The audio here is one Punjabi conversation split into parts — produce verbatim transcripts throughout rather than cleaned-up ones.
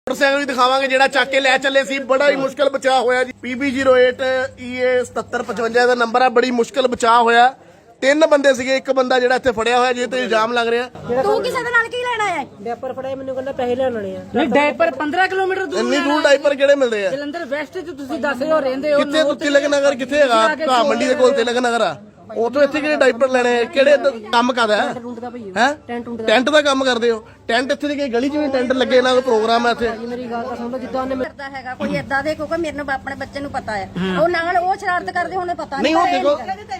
मोटरसाइकिल भी दिखावांगे जेड़ा चक के लै चले सी। बड़ा ही मुश्किल बचाव होया जी। PB zero eight E A सतहत्तर पचवंजा का नंबर है। बड़ी मुश्किल बचाव होया। तीन बंदे सीगे, एक बंदा जेड़ा इत्थे फड़िया होया जिह ते इल्जाम लग रहा। तू किसे दे नाल की लेना है? डायपर फड़ाए मैनू कहंदा पैसे लेने आ। नहीं डायपर पंद्रह किलोमीटर दूर इन्नी दूर डायपर किहड़े मिलदे आ? जलंधर वैस्ट च तुसीं दस हो रहंदे हो। कित्थे तिलक नगर कित्थे हैगा? घा मंडी दे कोल तिलक नगर आ। उतो इत्थे किहड़े डायपर लेने? किहड़े काम करदा है? हैं टेंट दा काम करदे हो? टेंट इत्थे दी गली च भी टेंट लगे ना, कोई प्रोग्राम है इत्थे? मेरी गल ता सुण लो, जिद्दां ने करदा हैगा कोई इदां दे, क्योंकि मेरे ਨੂੰ ਆਪਣੇ ਬੱਚੇ ਨੂੰ ਪਤਾ ਹੈ ਉਹ ਨਾਲ ਉਹ ਸ਼ਰਾਰਤ ਕਰਦੇ ਹੋਣੇ ਪਤਾ नहीं वो देखो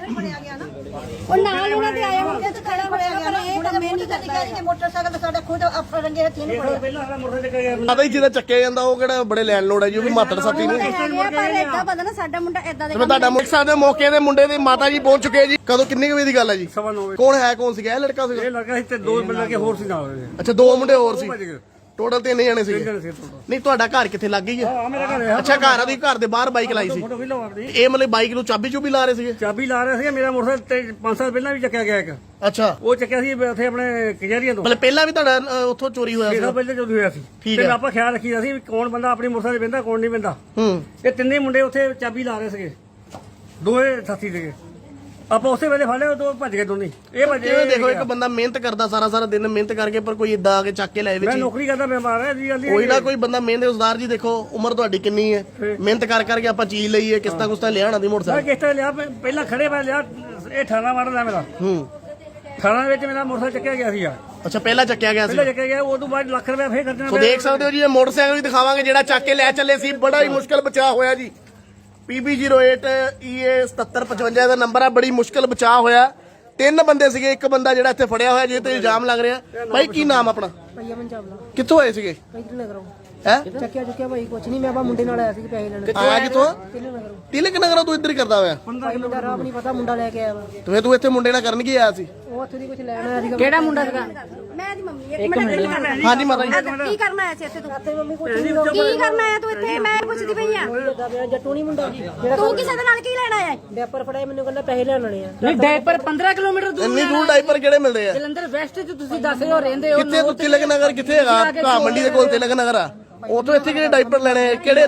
ਉਹ ਨਾਲ ਉਹਨਾਂ ਦੇ ਆਏ ਹੋਣਗੇ ਤੇ ਖੜਾ ਹੋਇਆ ਗਿਆ ਨਾ। ਇਹ ਕੰਮ ਨਹੀਂ ਕਰਦਾ ਕਿ ਮੋਟਰਸਾਈਕਲ ਤੇ ਸਾਡੇ ਖੁਦ ਆਪਣੇ ਰੰਗੇ ਹੱਥੀਂ ਨਹੀਂ ਫੜਿਆ। ਪਹਿਲਾਂ ਸਾਡਾ ਮੋਟਰਸਾਈਕਲ ਚੱਕਿਆ ਗਿਆ। ਪਤਾ ਹੀ ਜਿਹਦਾ ਚੱਕਿਆ ਜਾਂਦਾ ਉਹ ਕਿਹੜਾ ਬੜੇ ਲੈਣ ਲੋੜ ਹੈ ਜੀ, ਉਹ ਵੀ ਮਾਤੜ ਸਾਥੀ ਨੇ। ਪਰ ਇਦਾਂ ਪਤਾ ਨਾ ਸਾਡਾ ਮੁੰਡਾ ਇਦਾਂ ਦੇ ਮੈਂ ਤੁਹਾਡਾ ਮੁਖ ਸਾਹਿਬ ਦੇ ਮੌਕੇ ਦੇ ਮੁੰਡੇ ਦੀ ਮਾਤਾ ਜੀ ਪਹੁੰਚ ਚੁੱਕੇ ਜੀ। ਕਦੋਂ ਕਿੰਨੇ ਵਜੇ ਦੀ ਗੱਲ ਹੈ ਜੀ? ਸਵਾ ਨੌ ਵਜੇ। ਕੌਣ ਹੈ, ਕੌਣ ਸੀਗਾ? ਇਹ ਲੜਕਾ ਸੀਗਾ? ਇਹ ਲੜਕਾ ਸੀ ਤੇ ਦੋ ਮਿੰਟ ਲੱਗੇ ਹੋਰ ਸੀ ਨਾਲ ਉਹਦੇ। ਅੱਛਾ, ਦੋ ਮੁੰਡੇ ਹੋਰ ਸੀ। ਭੱਜ ਗਏ। ਟੋਟਲ ਤਿੰਨ ਜਣੇ ਸੀਗੇ। ਤਿੰਨ ਸੀ total। ਨਹੀਂ ਤੁਹਾਡਾ ਘਰ ਕਿੱਥੇ ਲੱਗ ਗਈ ਹੈ? ਆ ਮੇਰਾ ਘਰ ਹੈ। ਅੱਛਾ, ਘਰ ਦੀ ਘਰ ਦੇ ਬਾਹਰ ਬਾਈਕ ਲਾਈ ਸੀ। ਫੋਟੋ ਵੀ ਲਓ ਆਪਣੀ। ਇਹ ਮਤਲਬ ਬਾਈਕ ਨੂੰ ਚਾਬੀ ਚੂਬੀ ਲਾ ਰਹੇ ਸੀਗੇ? ਚਾਬੀ ਲਾ ਰਿਹਾ ਸੀ। ਮੇਰਾ ਮੋਟਰਸਾਈਕਲ ਤੇ ਪੰਜ ਸਾਲ ਪਹਿਲਾਂ ਵੀ ਚੱਕਿਆ ਗਿਆ ਇੱਕ। ਅੱਛਾ, ਉਹ ਚੱਕਿਆ ਸੀ ਉੱਥੇ ਆਪਣੇ ਕਚਹਿਰੀਆਂ ਤੋਂ। ਮਤਲਬ ਪਹਿਲਾਂ ਵੀ ਤੁਹਾਡਾ ਅ, ਉੱਥੋਂ ਚੋਰੀ ਹੋਇਆ ਇਹ ਸੀ? ਪਹਿਲਾਂ ਜਦੋਂ ਹੋਇਆ ਸੀ ਠੀਕ ਤੇ ਹੈ। ਆਪਾਂ ਖਿਆਲ ਰੱਖੀਦਾ ਸੀ ਵੀ ਕੌਣ ਬੰਦਾ ਆਪਣੀ ਮੋਟਰਸਾਈਕਲ ਤੇ ਬਹਿੰਦਾ, ਕੌਣ ਨਹੀਂ ਬਹਿੰਦਾ। ਹੂੰ। ਇਹ ਤਿੰਨੇ ਮੁੰਡੇ ਉੱਥੇ ਚਾਬੀ ਲਾ ਰਹੇ ਸੀਗੇ, ਦੋਵੇਂ ਸਾਥੀ ਸੀਗੇ। ਆਪਾਂ ਉਸੇ ਵੇਲੇ ਫੜ ਲਿਆ, ਦੋ ਭੱਜ ਗਏ ਦੋਨੇ। ਇਹ ਭੱਜੇ। ਕਿਵੇਂ ਦੇਖੋ, ਇੱਕ ਬੰਦਾ ਮਿਹਨਤ ਕਰਦਾ ਸਾਰਾ ਸਾਰਾ ਦਿਨ ਮਿਹਨਤ ਕਰਕੇ, ਪਰ ਕੋਈ ਇਦਾਂ ਆ ਕੇ ਚੱਕ ਕੇ ਲੈ ਮੈਂ ਵਿੱਚ ਨੌਕਰੀ ਕਰਦਾ, ਮੈਂ ਮਾਰ ਰਿਹਾ ਜੀ। ਕੋਈ ਨਾ ਕੋਈ ਬੰਦਾ ਮਿਹਨਤ। ਉਸਦਾਰ ਜੀ ਦੇਖੋ ਉਮਰ ਤੁਹਾਡੀ ਕਿੰਨੀ ਹੈ, ਮਿਹਨਤ ਕਰ ਕਰਕੇ ਆਪਾਂ ਚੀਜ਼ ਲਈ ਹੈ। ਕਿਸਤਾ ਕੁਸਤਾ ਲਿਆਣਾ ਦੀ ਮੈਂ ਮੋਟਰਸਾਈਕਲ। ਕਿਸ ਤਰ੍ਹਾਂ ਲਿਆ, ਪਹਿਲਾਂ ਖੜੇ ਮੈਂ ਲਿਆ। ਇਹ ਅਠਾਰਾਂ ਮਾਡਲ ਹੈ ਮੇਰਾ। ਹੂੰ। ਅਠਾਰਾਂ ਦੇ ਵਿੱਚ ਮੇਰਾ ਮੋਟਰਸਾਈਕਲ ਚੱਕਿਆ ਗਿਆ ਸੀਗਾ। ਅੱਛਾ, ਪਹਿਲਾਂ ਚੱਕਿਆ ਗਿਆ ਸੀ। ਪਹਿਲਾਂ ਚੱਕਿਆ ਗਿਆ, ਉਹ ਤੋਂ ਬਾਅਦ ਲੱਖ ਰੁਪਏ ਫੇਰ ਖਰਚਣਾ ਸੋ ਦੇਖ ਸਕਦੇ ਹੋ ਜੀ, ਇਹ ਮੋਟਰਸਾਈਕਲ ਵੀ ਦਿਖਾਵਾਂਗੇ ਜਿਹੜਾ ਚੱਕ ਕੇ ਲੈ ਚੱਲੇ ਸੀ। ਬੜਾ ਹੀ ਮੁਸ਼ਕਲ ਬਚਾਅ ਹੋਇਆ ਜੀ। PB zero eight E A ਸਤਹੱਤਰ ਪਚਵੰਜਾ ਦਾ ਨੰਬਰ ਹੈ। ਬੜੀ ਮੁਸ਼ਕਲ ਬਚਾਅ ਹੋਇਆ। ਤਿੰਨ ਬੰਦੇ ਸੀਗੇ, ਇੱਕ ਬੰਦਾ ਜਿਹੜਾ ਇੱਥੇ ਫੜਿਆ ਹੋਇਆ ਜਿਹ ਤੇ ਇਲਜ਼ਾਮ ਲੱਗ ਰਿਹਾ। ਭਾਈ ਕੀ ਨਾਮ ਆਪਣਾ? ਭਈਆ ਮਨ ਚਾਵਲਾ ਕਿੱਥੋਂ ਆਏ ਸੀਗੇ? ਇਧਰ ਨਗਰੋਂ ਹੈ ਚੱਕਿਆ ਚੁੱਕਿਆ ਭਾਈ ਕੁਛ ਨਹੀਂ। ਮੈਂ ਬਾ ਮੁੰਡੇ ਨਾਲ ਆਇਆ ਸੀ ਪੈਸੇ ਲੈਣ। ਆਇਆ ਕਿੱਥੋਂ? ਤਿੰਨ ਨਗਰੋਂ। ਤਿਲਕ ਨਗਰੋਂ ਤੂੰ ਇੱਧਰ ਹੀ ਕਰਦਾ ਹੋਇਆ? ਭਾਈ ਮੁੰਡਾ ਰਾਹ ਨਹੀਂ ਪਤਾ, ਮੁੰਡਾ ਲੈ ਕੇ ਆਇਆ ਵਾ। ਤੇ ਫਿਰ ਤੂੰ ਇੱਥੇ ਮੁੰਡੇ ਨਾਲ ਕਰਨ ਕੀ ਆਇਆ ਸੀ? ਉਹ ਉੱਥੇ ਦੀ ਕੁਝ ਲੈਣ ਆਇਆ ਸੀਗਾ। ਕਿਹੜਾ ਮੁੰਡਾ ਸੀਗਾ? ਮੈਂ ਦੀ ਮੰਮੀ। ਇੱਕ ਮਿੰਟ। ਹਾਂਜੀ ਮਾਤਾ ਜੀ। ਕੀ ਕਰਨਾ ਆਇਆ ਸੀ ਇੱਥੇ ਤੂੰ? ਇੱਥੇ ਮੰਮੀ ਕੁਝ ਨਹੀਂ। ਕੀ ਕਰਨਾ ਆਇਆ ਤੂੰ ਇੱਥੇ? ਮੈਂ ਪੁੱਛਦੀ ਪਈ ਆ। ਜੱਟੂ ਨਹੀਂ ਮੁੰਡਾ ਤੂੰ ਕਿਸੇ ਦੇ ਨਾਲ ਕੀ ਲੈਣਾ ਹੈ? ਡਾਇਪਰ ਫੜਾਏ ਮੈਨੂੰ ਕਹਿੰਦਾ ਪੈਸੇ ਲੈਣੇ ਆ। ਨਹੀਂ ਡਾਇਪਰ ਪੰਦਰਾਂ ਕਿਲੋਮੀਟਰ ਦੂਰ। ਇੰਨੀ ਦੂਰ ਡਾਇਪਰ ਕਿਹੜੇ ਮਿਲਦੇ ਆ? ਜਲੰਧਰ ਵੈਸਟ ਚ ਤੁਸੀਂ ਦਸ ਹੋ ਰਹਿੰਦੇ ਹੋ। ਕਿੱਥੇ? ਤੂੰ ਤਿਲਕ ਨਗਰ ਕਿੱਥੇ ਹੈਗਾ? ਘਾ ਮੰਡੀ ਦੇ ਕੋਲ ਤਿਲਕ ਨਗਰ ਆ। ਉਥੋਂ ਇੱਥੇ ਕਿਹੜੇ ਡਾਇਪਰ ਲੈਣੇ? ਕਿਹੜੇ